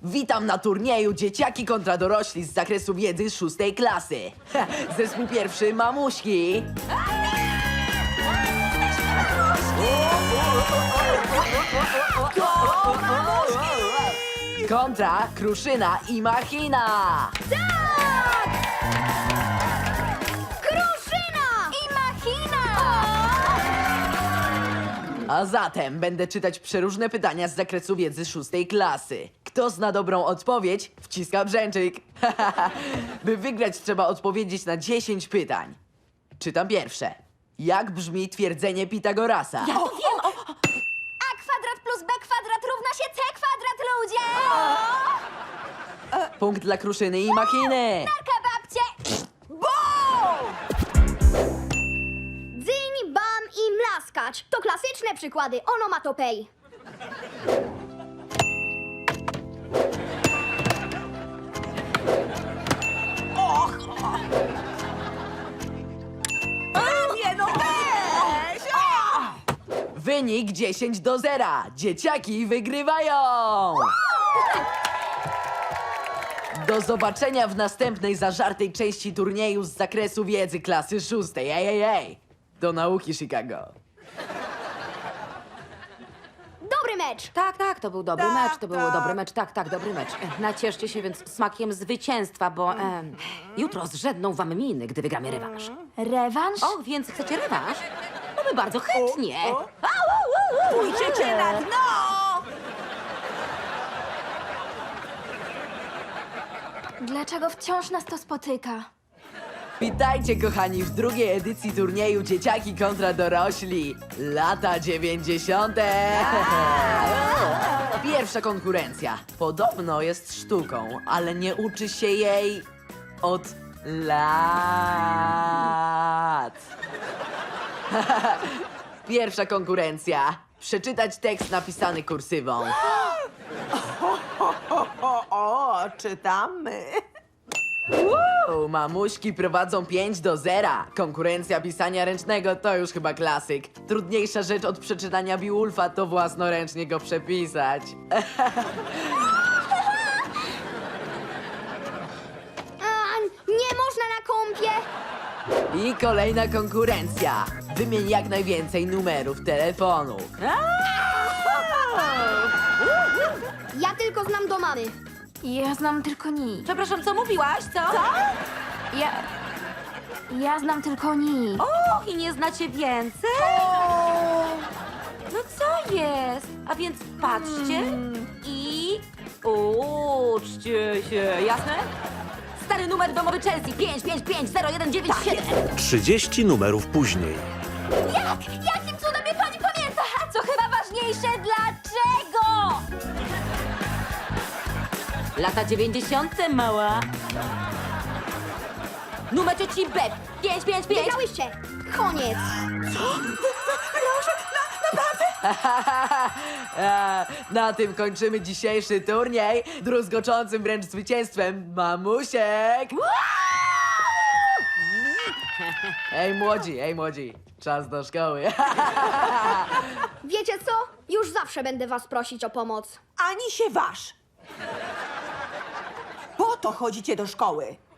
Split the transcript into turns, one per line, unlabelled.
Witam na turnieju Dzieciaki kontra dorośli z zakresu wiedzy 6. klasy. Zespół pierwszy Mamuśki. Kontra Kruszyna i Machina.
Kruszyna! I Machina!
A zatem będę czytać przeróżne pytania z zakresu wiedzy 6. klasy. Kto zna dobrą odpowiedź, wciska brzęczyk. By wygrać, trzeba odpowiedzieć na 10 pytań. Czytam pierwsze. Jak brzmi twierdzenie Pitagorasa?
Ja to wiem! A kwadrat plus B kwadrat równa się C kwadrat, ludzie!
Punkt dla Kruszyny i Machiny.
Narka babcie! Dzyń, bam i mlaskacz to klasyczne przykłady onomatopei.
Wynik 10-0. Dzieciaki wygrywają. Do zobaczenia w następnej zażartej części turnieju z zakresu wiedzy klasy 6. Ej. Do nauki, Chicago.
Dobry mecz!
Tak, to był dobry mecz, to był dobry mecz, tak, dobry mecz. Nacieszcie się więc smakiem zwycięstwa, bo jutro zrzedną wam miny, gdy wygramy rewanż.
Rewanż?
O, więc chcecie rewanż? No my bardzo chętnie.
Pójdziecie na dno!
Dlaczego wciąż nas to spotyka?
Witajcie, kochani, w drugiej edycji turnieju Dzieciaki kontra dorośli. Lata 90. Pierwsza konkurencja. Podobno jest sztuką, ale nie uczy się jej od lat. Pierwsza konkurencja. Przeczytać tekst napisany kursywą.
O, czytamy.
Mamuśki prowadzą 5-0. Konkurencja pisania ręcznego to już chyba klasyk. Trudniejsza rzecz od przeczytania Beowulfa to własnoręcznie go przepisać.
Nie można na kąpie!
I kolejna konkurencja. Wymień jak najwięcej numerów telefonu.
Ja tylko znam do mamy.
Ja znam tylko Ni.
Przepraszam, co mówiłaś, co?
Ja znam tylko Ni.
Och, i nie znacie więcej? No co jest? A więc patrzcie i uczcie się, jasne? Stary numer domowy Chelsea 5550197.
30 numerów później.
Jakim cudem mnie pani pamięta? A co chyba ważniejsze, dlaczego?
Lata 90. mała. Numer cioci Beb 555.
Wygrałyście! Koniec!
Na tym kończymy dzisiejszy turniej. Druzgoczącym wręcz zwycięstwem Mamusiek. Ej młodzi, czas do szkoły.
Wiecie co? Już zawsze będę was prosić o pomoc.
Ani się waż. Po to chodzicie do szkoły.